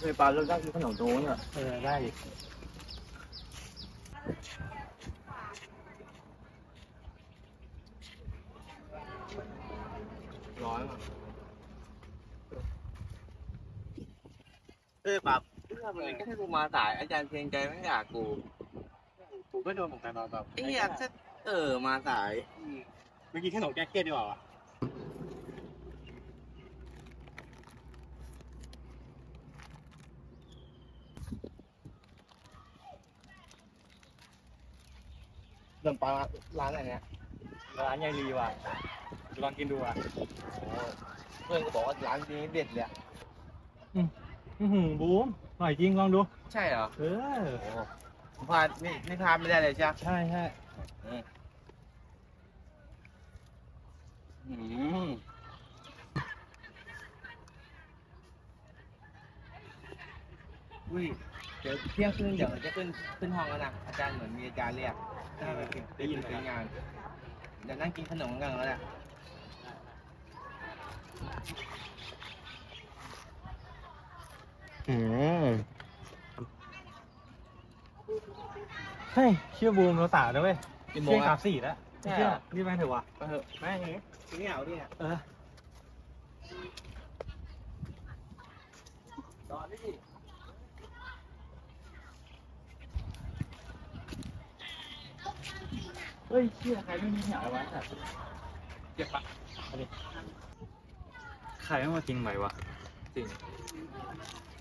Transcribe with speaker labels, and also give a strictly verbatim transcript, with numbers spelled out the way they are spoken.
Speaker 1: เคยปลาเราได้กินขนมโน้นอ่ะ
Speaker 2: เออได้
Speaker 1: ร้อยอ่ะเออปลาเพื่อนมันเลยก็ให้กูมาสายอาจารย์เพียงใจไม่อยากกู
Speaker 2: กูก็โดนเหมือนกันตอนแบบ
Speaker 1: ไอ้อยากจะเออมาสาย
Speaker 2: เมื่อกี้ขนมแก้เครียดดีกว่า
Speaker 1: เริ่มปลาร้านอะไรเนี่ย
Speaker 2: ร้านยายลีว่ะลองกินดูอ่ะ
Speaker 1: เพื่อนก็บอกว่าร้านนี้เด็ดเลย
Speaker 2: อืมอืมบูมอร่อยจริงลองดู
Speaker 1: ใช่เหรอ
Speaker 2: เออ
Speaker 1: ผมพลาดนี่นี่พลาดไม่ได้เลยใช่ไหม
Speaker 2: ใช่ใช่
Speaker 1: อืมอุ้ยเดี๋ยวเที่ยงคืนเดี๋ยวจะขึ้นขึ้นห้องแล้วนะอาจารย์เหมือนมีอาจารย์เรียก
Speaker 2: ได้ไปกินได้ยินไหม
Speaker 1: เป็นงานเดี๋ยวนั่งกินขนมกันแล้วแหละ
Speaker 2: อืมเฮ้ยเชื่อบูมเราสาวนะเว้ย
Speaker 1: กี่โม
Speaker 2: เที่ย
Speaker 1: ง
Speaker 2: งสา
Speaker 1: อ่ะ
Speaker 2: มสี่แล้ว
Speaker 1: ใช่
Speaker 2: เชื่
Speaker 1: เห
Speaker 2: อ
Speaker 1: รอ
Speaker 2: รีบไปเถอะวะ
Speaker 1: ไปเถอะแม่งนี้ที่นี่เอาดิเนี่ย
Speaker 2: เออ
Speaker 1: รอดิ
Speaker 2: เฮ้ยเชื่อใครไม่มีเหนียววะแต่เจ็บปะเอาดิใครไม่มากินไหมวะ
Speaker 1: จริง